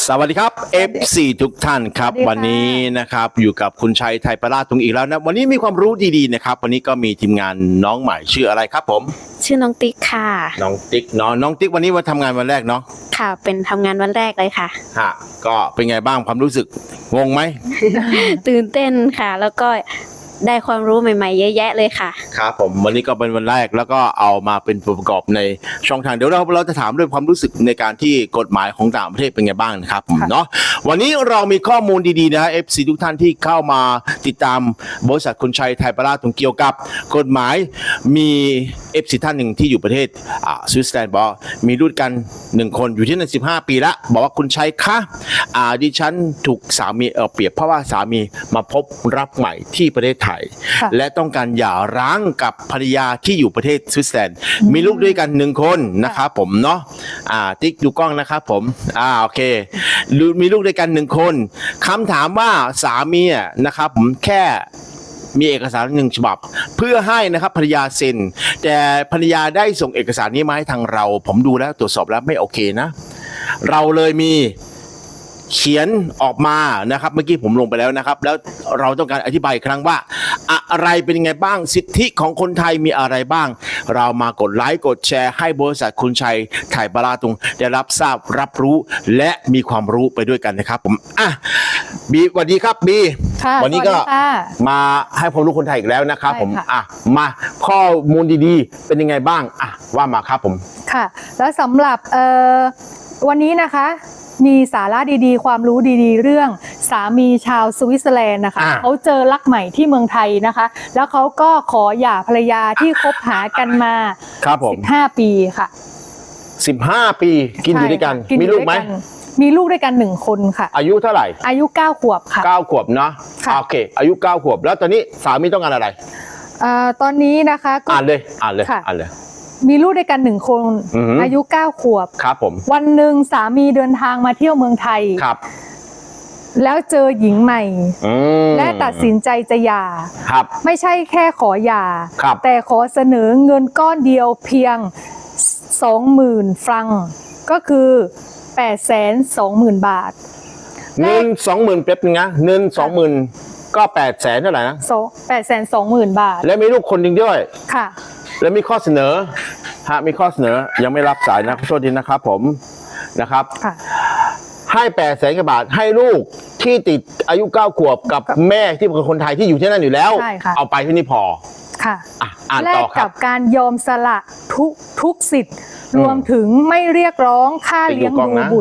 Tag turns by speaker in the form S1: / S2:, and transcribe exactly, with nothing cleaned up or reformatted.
S1: สวัสดีครับ เอฟ ซี ทุกท่านครับวันนี้นะครับอยู่กับคุณชัยไทยประราชตรงอีกแล้วนะวันนี้มีความรู้ดีๆนะครับวันนี้ก็มีทีมงานน้องใหม่ชื่ออะไรครับผม
S2: ชื่อน้องติ๊กค่ะ
S1: น้องติ๊กเนาะน้องติ๊กวันนี้มาทำงานวันแรกเนาะ
S2: ค่ะเป็นทำงานวันแรกเลยค่ะ
S1: ฮะก็เป็นไงบ้างความรู้สึกงงไหม
S2: ตื่นเต้นค่ะแล้วก็ได้ความรู้ใหม่ๆเยอะแยะเลยค่ะ
S1: ครับผมวันนี้ก็เป็นวันแรกแล้วก็เอามาเป็นประกอบในช่องทางเดี๋ยวเราเราจะถามเรื่องความรู้สึกในการที่กฎหมายของต่างประเทศเป็นไงบ้างนะครับผมเนาะวันนี้เรามีข้อมูลดีๆนะ เอฟ ซี ทุกท่านที่เข้ามาติดตามบริษัทคุณชัยไทยประราชตรงเกี่ยวกับกฎหมายมี เอฟ ซี ท่านหนึ่งที่อยู่ประเทศอ่าสวิตเซอร์แลนด์บอกมีลูกกันหนึ่งคนอยู่ที่นั่นสิบห้าปีแล้วบอกว่าคุณชัยคะอ่าดิฉันถูกสามีเออเปรียบเพราะว่าสามีมาพบรักใหม่ที่ประเทศไทยและต้องการหย่าร้างกับภรรยาที่อยู่ประเทศสวิตเซอร์แลนด์มีลูกด้วยกันหนึ่งคนนะครับผมเนาะอ่าติ๊กดูกล้องนะครับผมอ่าโอเคมีลูกด้วยกันหนึ่งคนคำถามว่าสามีนะครับผมแค่มีเอกสารหนึ่งฉบับเพื่อให้นะครับภรรยาเซ็นแต่ภรรยาได้ส่งเอกสารนี้มาให้ทางเราผมดูแล้วตรวจสอบแล้วไม่โอเคนะเราเลยมีเขียนออกมานะครับเมื่อกี้ผมลงไปแล้วนะครับแล้วเราต้องการอธิบายอีกครั้งว่าอะไรเป็นยังไงบ้างสิทธิของคนไทยมีอะไรบ้างเรามากดไลค์กดแชร์ให้บริษัทคุณชัยไทยประราชตรงได้รับทราบรับรู้และมีความรู้ไปด้วยกันนะครับผมอ่ะบีสวัสดีครับบีวันนี้ก็มาให้ความรู้คนไทยอีกแล้วนะครับผมอ่ะมาข้อมูลดีๆเป็นยังไงบ้างอ่ะว่ามาครับผม
S3: ค่ะแล้วสำหรับเอ่อวันนี้นะคะมีสาระดีๆความรู้ดีๆเรื่องสามีชาวสวิตเซอร์แลนด์นะคะเขาเจอรักใหม่ที่เมืองไทยนะคะแล้วเขาก็ขอหย่าภรรยาที่คบหากันมาสิบห้าปีค่ะ
S1: สิบห้าปีกินอยู่ด้วยกันมีลูกไหม
S3: มีลูกด้วยกันหนึ่งคนค่ะ
S1: อายุเท่าไหร่
S3: อายุเก้าขวบค่ะ
S1: เก้าขวบเนาะโอเคอายุเก้าขวบแล้วตอนนี้สามีต้องการอะไร
S3: อ่าตอนนี้นะคะ
S1: อ่านเลยอ่านเลยอ่านเลย
S3: มีลูกด้วยกันหนึ่งคนอายุเก้าขวบ
S1: ครับผม
S3: วันหนึ่งสามีเดินทางมาเที่ยวเมืองไทย
S1: ครับ
S3: แล้วเจอหญิงใหม่และตัดสินใจจะหย่า
S1: ครับ
S3: ไม่ใช่แค่ขอหย่าแต่ขอเสนอเงินก้อนเดียวเพียงสองหมื่นฟรังก็คือแปดแสนสองหมื่นบาท
S1: เงินสองหมื่นเป๊บนึงนะเงินสองหมื่นก็แปดแสนเท่าไหร่นะ
S3: แปดแสนสองหมื่นบาท
S1: แล้วมีลูกคนหนึ่งด้วย
S3: ค่ะ
S1: แล้วมีข้อเสนอฮะมีข้อเสนอยังไม่รับสายนะขอโทษทีนะครับผมนะครับให้แปดแสนกว่าบาทให้ลูกที่ติดอายุเก้าขวบกับแม่ที่เป็นคนไทยที่อยู่ที่นั่นอยู่แล้วเอาไปที่นี่พอ
S3: ค่ะ
S1: อ่านต่อครับ
S3: แลกกับการยอมสละทุกทุกสิทธิ์รวมถึงไม่เรียกร้องค่าเลี้ยงดูบุตร